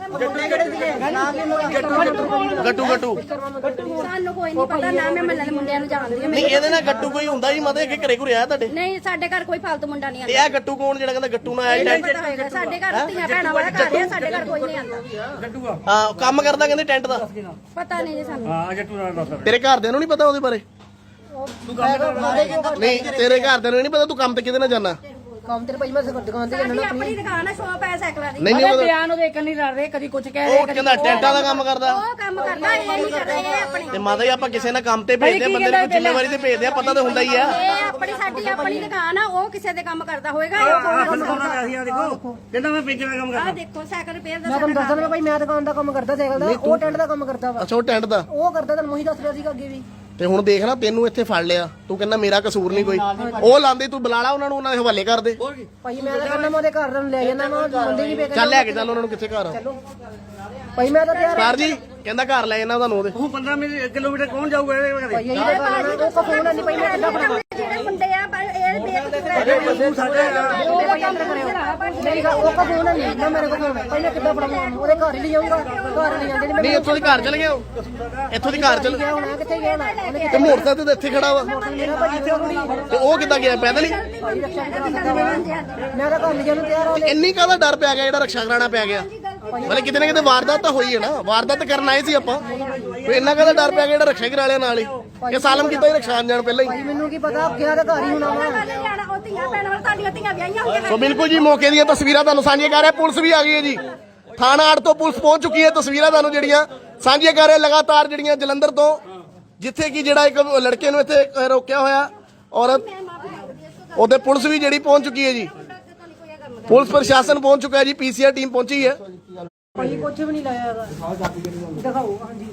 ਗੱਟੂ ਗੱਟੂ ਸਾਨੂੰ ਕੋਈ ਨਹੀਂ ਪਤਾ ਨਾ ਮੈਂ ਮੱਲੇ ਦੇ ਮੁੰਡਿਆਂ ਨੂੰ ਜਾਣਦੀ ਹਾਂ ਨਹੀਂ ਇਹਦੇ ਨਾਲ ਗੱਟੂ ਕੋਈ ਹੁੰਦਾ ਜੀ ਮਤੇ ਕਿ ਘਰੇ ਘੁਰੇ ਆਇਆ ਤੁਹਾਡੇ ਨਹੀਂ ਸਾਡੇ ਘਰ ਕੋਈ ਫਾਲਤੂ ਮੁੰਡਾ ਨਹੀਂ ਤੇ ਆਉਂਦਾ ਇਹ ਗੱਟੂ ਕੌਣ ਜਿਹੜਾ ਕਹਿੰਦਾ ਗੱਟੂ ਨਾਲ ਆਇਆ ਨਹੀਂ ਟੈਂਟ ਪਤਾ ਹੋਏਗਾ ਸਾਡੇ ਘਰ ਧੀਆਂ ਭੈਣਾਂ ਵਾਲਾ ਘਰ ਹੈ ਸਾਡੇ ਘਰ ਕੋਈ ਨਹੀਂ ਆਉਂਦਾ ਹਾਂ ਕੰਮ ਕਰਦਾ ਕਹਿੰਦੇ ਟੈਂਟ ਦਾ ਪਤਾ ਨਹੀਂ ਜੀ ਸਾਨੂੰ ਹਾਂ ਜੱਟੂ ਨਾਲ ਦੱਸ ਤੇਰੇ ਘਰਦਿਆਂ ਨੂੰ ਨਹੀਂ ਪਤਾ ਉਹਦੇ ਬਾਰੇ ਨਹੀਂ ਤੇਰੇ ਘਰਦਿਆਂ ਨੂੰ ਨਹੀਂ ਪਤਾ ਤੂੰ ਕੰਮ ਤੇ ਕਿਹਦੇ ਨਾਲ ਜਾਣਾ ਕੰਮ ਤੇ ਭਾਈ ਮੈਂ ਦੁਕਾਨ ਤੇ ਸਾਡੀ ਆਪਣੀ ਦੁਕਾਨ ਹੈ ਸ਼ੋਪ ਹੈ ਸਾਈਕਲਾਂ ਦੀ ਨਹੀਂ ਨਹੀਂ ਅਰੇ ਉਹਦਾ- ਬਿਆਨ ਉਹਦੇ ਇੱਕ ਨਹੀਂ ਲੜ ਰਹੇ ਕਦੀ ਕੁਝ ਕਹਿ ਉਹ ਰਹੇ ਕਦੀ ਕਹਿੰਦਾ ਟੈਂਟਾਂ ਦਾ ਕੰਮ ਕਰਦਾ ਉਹ ਕੰਮ ਕਰਦਾ ਇਹ ਨਹੀਂ ਕਰ ਰਹੇ ਇਹ ਆਪਣੀ ਤੇ ਮਾਤਾ ਜੀ ਆਪਾਂ ਕਿਸੇ ਨਾਲ ਕੰਮ ਤੇ ਭੇਜਦੇ ਆ ਬੰਦੇ ਨੂੰ ਜ਼ਿੰਮੇਵਾਰੀ ਤੇ ਭੇਜਦੇ ਆ ਪਤਾ ਤਾਂ ਹੁੰਦਾ ਹੀ ਆ ਇਹ ਆਪਣੀ ਸਾਡੀ ਆਪਣੀ ਦੁਕਾਨ ਆ ਉਹ ਕਿਸੇ ਦੇ ਕੰਮ ਕਰਦਾ ਹੋਏਗਾ ਇਹ ਆਹ ਕੋਈ ਖੁਦ ਆਉਂਦਾ ਅਸੀਂ ਆ ਦੇਖੋ ਕਹਿੰਦਾ ਮੈਂ ਪੇਂਚਰ ਦਾ ਕੰਮ ਆ ਕਰਦਾ ਦੇਖੋ ਸਾਈਕਲ ਰਿਪੇਅਰ ਦਾ ਮੈਂ ਤੁਹਾਨੂੰ ਦੱਸਦਾ ਨਾ ਭਾਈ ਮੈਂ ਦੁਕਾਨ ਦਾ ਕੰਮ ਕਰਦਾ ਸਾਈਕਲ ਦਾ ਉਹ ਟੈਂਟ ਦਾ ਕੰਮ ਕਰਦਾ ਵਾ ਅੱਛਾ ਉਹ ਟੈਂਟ ਦਾ ਉਹ ਕਰਦਾ ਤੁਹਾਨੂੰ ਉਹੀ ਦੱਸ ਰਿਹਾ ਸੀਗਾ ਅੱਗੇ ਵੀ ਤੇ ਹੁਣ ਦੇਖ ਨਾ ਤੈਨੂੰ ਇੱਥੇ ਫੜ ਲਿਆ ਤੂੰ ਕਹਿੰਦਾ ਮੇਰਾ ਕਸੂਰ ਨਹੀਂ ਕੋਈ ਉਹ ਲਾਂਦੇ ਤੂੰ ਬੁਲਾ ਲਾ ਉਹਨਾਂ ਨੂੰ ਉਹਨਾਂ ਦੇ ਹਵਾਲੇ ਕਰ ਦੇ ਭਾਈ ਮੈਂ ਤਾਂ ਕਹਿੰਦਾ ਮੈਂ ਉਹਦੇ ਘਰ ਨੂੰ ਲੈ ਜਾਣਾ ਮੈਂ ਬੰਦੇ ਨਹੀਂ ਵੇਖ ਚੱਲ ਲੈ ਕੇ ਚੱਲ ਉਹਨਾਂ ਨੂੰ ਕਿੱਥੇ ਘਰ ਆ ਭਾਈ ਮੈਂ ਤਾਂ ਤਿਆਰ ਸਰ ਜੀ ਕਹਿੰਦਾ ਘਰ ਲੈ ਜਾਣਾ ਤੁਹਾਨੂੰ ਉਹਦੇ ਉਹ ਪੰਦਰਾਂ ਮਿੰਟ ਕਿਲੋਮੀਟਰ ਕੌਣ ਜਾਊਗਾ ਇਹਦੇ ਭਾਈ ਘਰੇ ਇਹੀ ਤਾਂ ਗੱਲ ਆ, ਉਹ ਕਫੋਨ ਨਹੀਂ ਭਾਈ ਮੈਂ ਕਿੱਦਾਂ ਬਣਾਵਾਂ ਜਿਹੜੇ ਮੁੰਡੇ ਆ ਪਰ ਇਹ ਬੇਕਸੂਰ ਤੂੰ ਸਾਡੇ ਮੇਰੀ ਗੱਲ ਉਹ ਕਫੋਨ ਨਹੀਂ ਨਾ ਮੇਰੇ ਕੋਲ ਫੋਨ ਹੈ ਭਾਈ ਮੈਂ ਕਿੱਦਾਂ ਬਣਾਵਾਂ ਉਹਦੇ ਘਰ ਹੀ ਲੈ ਜਾਊਂਗਾ ਘਰ ਲੈ ਜਾਂਦੇ ਨੇ ਨਹੀਂ ਇੱਥੋਂ ਦੀ ਘਰ ਚਲ ਗਿਆ ਉਹ ਇੱਥੋਂ ਦੀ ਘਰ ਚਲ ਗਿਆ ਹੋਣਾ ਕਿੱਥੇ ਗਿਆ ਹੋਣਾ ਉਹਨੇ ਤੇ ਮੋਟਰਸਾਈਕਲ ਤੇ ਇੱਥੇ ਖੜਾ ਵਾ ਮੇਰਾ ਭਾਈ ਇੱਥੇ ਕੁੜੀ ਤੇ ਉਹ ਕਿੱਦਾਂ ਗਿਆ ਪੈਦਲ ਹੀ ਮੈਂ ਤਾਂ ਘਰ ਲੈ ਜਾਣ ਨੂੰ ਤਿਆਰ ਆ ਤੇ ਇੰਨੀ ਕਾਹਦਾ ਡਰ ਪਿਆ ਗਿਆ ਜਿਹੜਾ ਰਕਸ਼ਾ ਕਰਾਣਾ ਪੈ ਗਿਆ ਮਤਲਬ ਕਿਤੇ ਨਾ ਕਿਤੇ ਵਾਰਦਾਤ ਤਾਂ ਹੋਈ ਹੈ ਨਾ ਵਾਰਦਾਤ ਕਰਨ ਆਏ ਸੀ ਆਪਾਂ ਕੋਈ ਇੰਨਾ ਕਾਹਦਾ ਡਰ ਪਿਆ ਗਿਆ ਜਿਹੜਾ ਰਕਸ਼ਾ ਕਰਾ ਲਿਆ ਨਾਲ ਹੀ ਇਹ ਸਾਲਮ ਕੀਤਾ ਹੀ ਰਕਸ਼ਾ ਜਾਣ ਪਹਿਲਾਂ ਹੀ ਭਾਈ ਮੈਨੂੰ ਕੀ ਪਤਾ ਗਿਆ ਤਾਂ ਘਰ ਹੀ ਹੋਣਾ ਵਾ ਉਹ ਧੀਆਂ ਭੈਣਾਂ ਵਾਲ ਤੁਹਾਡੀਆਂ ਧੀਆਂ ਵਿਆਹੀਆਂ ਹੋਈਆਂ ਸੋ ਬਿਲਕੁਲ ਜੀ ਮੌਕੇ ਦੀਆਂ ਤਸਵੀਰਾਂ ਤੁਹਾਨੂੰ ਸਾਂਝੀਆਂ ਕਰ ਰਿਹਾ ਪੁਲਿਸ ਵੀ ਆ ਗਈ ਹੈ ਜੀ ਥਾਣਾ ਅੱਡ ਤੋਂ ਪੁਲਿਸ ਪਹੁੰਚ ਚੁੱਕੀ ਹੈ ਤਸਵੀਰਾਂ ਤੁਹਾਨੂੰ ਜਿਹੜੀਆਂ ਸਾਂਝੀਆਂ ਕਰ ਰਿਹਾ ਲਗਾਤਾਰ ਜਿਹੜੀਆਂ ਜਲੰਧਰ ਤੋਂ ਜਿੱਥੇ ਕਿ ਜਿਹੜਾ ਇੱਕ ਲੜਕੇ ਨੂੰ ਇੱਥੇ ਰੋਕਿਆ ਹੋਇਆ ਔਰ ਉਹਦੇ ਪੁਲਿਸ ਵੀ ਜਿਹੜੀ ਪਹੁੰਚ ਚੁੱਕੀ ਹੈ ਜੀ ਪੁਲਿਸ ਪ੍ਰਸ਼ਾਸਨ ਪਹੁੰਚ ਚੁੱਕਾ ਹੈ ਜੀ ਪੀਸੀਆਰ ਟੀਮ ਪਹੁੰਚੀ ਹੈ ਭਾਈ ਕੁਝ ਵੀ ਨਹੀਂ ਲਾਇਆ ਹੈਗਾ ਦਿਖਾਓ ਹਾਂਜੀ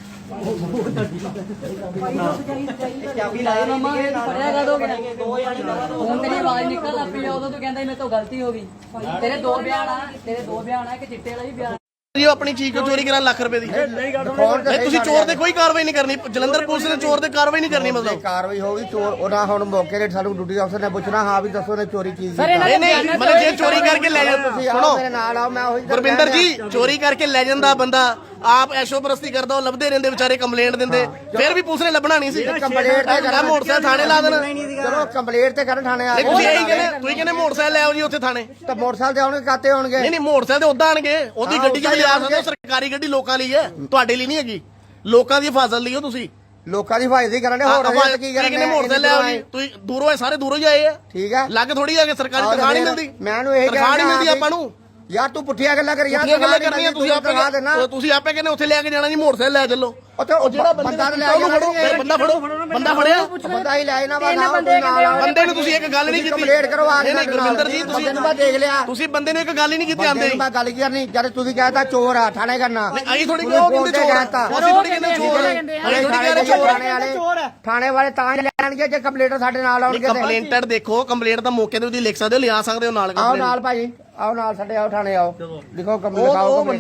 ਚਾਬੀ ਲਾਇਆ ਮਮਾ ਪੜਿਆ ਕਦੋਂ ਹੁਣ ਤੇਰੀ ਆਵਾਜ਼ ਨਿਕਲ ਲੱਗ ਪਈ ਉਦੋਂ ਤੂੰ ਕਹਿੰਦਾ ਮੇਰੇ ਤੋਂ ਗਲਤੀ ਹੋ ਗਈ ਤੇਰੇ ਦੋ ਬਿਆਨ ਆ ਤੇਰੇ ਦੋ ਬਿਆਨ ਆ ਕਿ ਚਿੱਟੇ ਵਾਲਾ ਵੀ ਬਿਆਨ ਜੀ ਉਹ ਆਪਣੀ ਚੀਜ਼ ਚੋਰੀ ਕਰਾਂ ਲੱਖ ਰੁਪਏ ਦੀ ਨਹੀਂ ਤੁਸੀਂ ਚੋਰ ਤੇ ਕੋਈ ਕਾਰਵਾਈ ਨਹੀਂ ਕਰਨੀ ਜਲੰਧਰ ਪੁਲਿਸ ਨੇ ਚੋਰ ਤੇ ਕਾਰਵਾਈ ਨਹੀਂ ਕਰਨੀ ਮਤਲਬ ਕਾਰਵਾਈ ਹੋਊਗੀ ਚੋਰ ਉਹਨਾਂ ਹੁਣ ਮੌਕੇ ਤੇ ਸਾਨੂੰ ਡਿਊਟੀ ਅਫਸਰ ਨੇ ਪੁੱਛਣਾ ਹਾਂ ਵੀ ਦੱਸੋ ਨੇ ਚੋਰੀ ਕੀ ਸਰ ਇਹਨਾਂ ਨਹੀਂ ਦੇ ਨਹੀਂ ਬਿਆਨਾਂ ਮਤਲਬ ਜੇ ਚੋਰੀ ਕਰਕੇ ਲੈ ਜਾ ਤੁਸੀਂ ਆਓ ਸੁਣੋ ਮੇਰੇ ਨਾਲ ਆਓ ਮੈਂ ਉਹੀ ਤਾਂ ਗੁਰਵਿੰਦਰ ਕਹਿ ਜੀ ਚੋਰੀ ਕਰਕੇ ਲੈ ਜਾਂਦਾ ਬੰਦਾ ਆਪ ਐਸ਼ੋ ਪ੍ਰਸਤੀ ਕਰਦਾ ਉਹ ਲੱਭਦੇ ਰਹਿੰਦੇ ਵਿਚਾਰੇ ਕੰਪਲੇਂਟ ਦਿੰਦੇ ਫਿਰ ਵੀ ਪੁਲਿਸ ਨੇ ਲੱਭਣਾ ਨਹੀਂ ਸੀ ਕੰਪਲੇਂਟ ਤੇ ਮੈਂ ਮੋਟਰਸਾਈਕਲ ਥਾਣੇ ਲਾ ਦੇਣਾ ਚਲੋ ਕੰਪਲੇਂਟ ਤੇ ਕਰਨ ਥਾਣੇ ਆ ਨਹੀਂ ਤੁਸੀਂ ਇਹੀ ਕਹਿੰਦੇ ਤੁਸੀਂ ਕਹਿੰਦੇ ਮੋਟਰਸਾਈਕਲ ਲੈ ਆਓ ਜੀ ਉੱਥੇ ਥਾਣੇ ਤਾਂ ਮੋਟਰਸਾਈਕਲ ਤੇ ਆਉਣਗੇ ਕਾਤੇ ਹੋਣਗੇ ਨਹੀਂ ਨਹੀਂ ਮੋਟਰਸਾਈਕਲ ਤੇ ਉਦਾਂ ਆਣਗੇ ਉਹਦੀ ਹਾਂ, ਗੱਡੀ 'ਚ ਵੀ ਲਿਆ ਉੱਦਾਂ ਹੀ ਸਕਦੇ ਹੋ ਸਰਕਾਰੀ ਗੱਡੀ ਲੋਕਾਂ ਲਈ ਹੈ ਤੁਹਾਡੇ ਲਈ ਨਹੀਂ ਹੈਗੀ ਲੋਕਾਂ ਦੀ ਹਿਫਾਜ਼ਤ ਲਈ ਹੋ ਤੁਸੀਂ ਲੋਕਾਂ ਦੀ ਹਿਫਾਜ਼ਤ ਕਰਨ ਦੇ ਹੋਰ ਆਹ, ਕੀ ਕਹਿੰਦੇ ਕਰਨ ਮੋਟਰਸਾਈਕਲ ਲੈ ਆਓ ਜੀ ਤੁਸੀਂ ਦੂਰੋਂ ਆਏ ਸਾਰੇ ਦੂਰੋਂ ਹੀ ਆਏ ਆ ਠੀਕ ਹੈ ਲੱਗ ਥੋੜੀ ਆ ਕੇ ਸਰਕਾਰੀ ਤਨਖਾਹ ਨਹੀਂ ਮਿਲਦੀ ਮੈਂ ਉਹਨੂੰ ਇਹ ਤਨਖਾਹ ਨਹੀਂ ਮਿਲਦੀ ਆਪਾਂ ਨੂੰ ਯਾਰ ਤੂੰ ਪੁੱਠੀਆਂ ਗੱਲਾਂ ਕਰ ਯਾਰ ਕਿੰਨੀਆਂ ਗੱਲਾਂ ਕਰਨੀਆਂ ਤੁਸੀਂ ਤਨਖਾਹ ਦੇਣਾ ਆਪੇ ਤੁਸੀਂ ਆਪੇ ਕਹਿੰਦੇ ਉੱਥੇ ਲੈ ਕੇ ਜਾਣਾ ਜੀ ਮੋਟਰਸਾਈਕਲ ਲੈ ਚੱਲੋ ਉੱਥੇ ਉਹ ਜਿਹੜਾ ਬੰਦਾ ਬੰਦਾ ਲੈ ਉਹਨੂੰ ਫੜੋ ਫਿਰ ਬੰਦਾ ਫੜੋ ਬੰਦਾ ਫੜਿਆ ਬੰਦਾ ਹੀ ਲੈ ਨਾ ਵਾ ਨਾ ਬੰਦੇ ਬੰਦੇ ਨੂੰ ਤੁਸੀਂ ਇੱਕ ਗੱਲ ਨਹੀਂ ਕੀਤੀ ਕੰਪਲੇਂਟ ਕਰਵਾ ਨਹੀਂ ਨਹੀਂ ਗੁਰਵਿੰਦਰ ਜੀ ਤੁਸੀਂ ਬੰਦੇ ਨੂੰ ਮੈਂ ਦੇਖ ਲਿਆ ਤੁਸੀਂ ਬੰਦੇ ਨੂੰ ਇੱਕ ਗੱਲ ਹੀ ਨਹੀਂ ਕੀਤੀ ਆਂਦੇ ਮੈਂ ਗੱਲ ਕੀ ਕਰਨੀ ਜਦ ਤੁਸੀਂ ਕਹਿੰਦਾ ਚੋਰ ਆ ਥਾਣੇ ਕਰਨਾ ਆਈ ਥੋੜੀ ਕਿਉਂ ਕਹਿੰਦੇ ਚੋਰ ਆ ਅਸੀਂ ਥੋੜੀ ਕਹਿੰਦੇ ਚੋਰ ਆ ਅਸੀਂ ਥੋੜੀ ਕਹਿ ਰਹੇ ਚੋਰ ਥਾਣੇ ਵਾਲੇ ਥਾਣੇ ਵਾਲੇ ਤਾਂ ਹੀ ਲੈਣਗੇ ਜੇ ਕੰਪਲੇਂਟ ਸਾਡੇ ਨਾਲ ਆਉਣਗੇ ਤੇ ਕੰਪਲੇਂਟਡ ਦੇਖੋ ਕੰਪਲੇਂਟ ਤਾਂ ਮੌਕੇ ਤੇ ਤੁਸੀਂ ਲਿਖ ਸਕਦੇ ਹੋ ਲਿਆ ਸਕਦੇ ਹੋ ਨਾਲ ਆਓ ਨਾਲ ਭਾਜੀ ਆਓ ਨਾਲ ਸਾਡੇ ਆਓ ਥਾਣੇ ਆਓ ਲਿਖੋ ਕੰਪਲੇਂਟ ਲਿਖਾਓ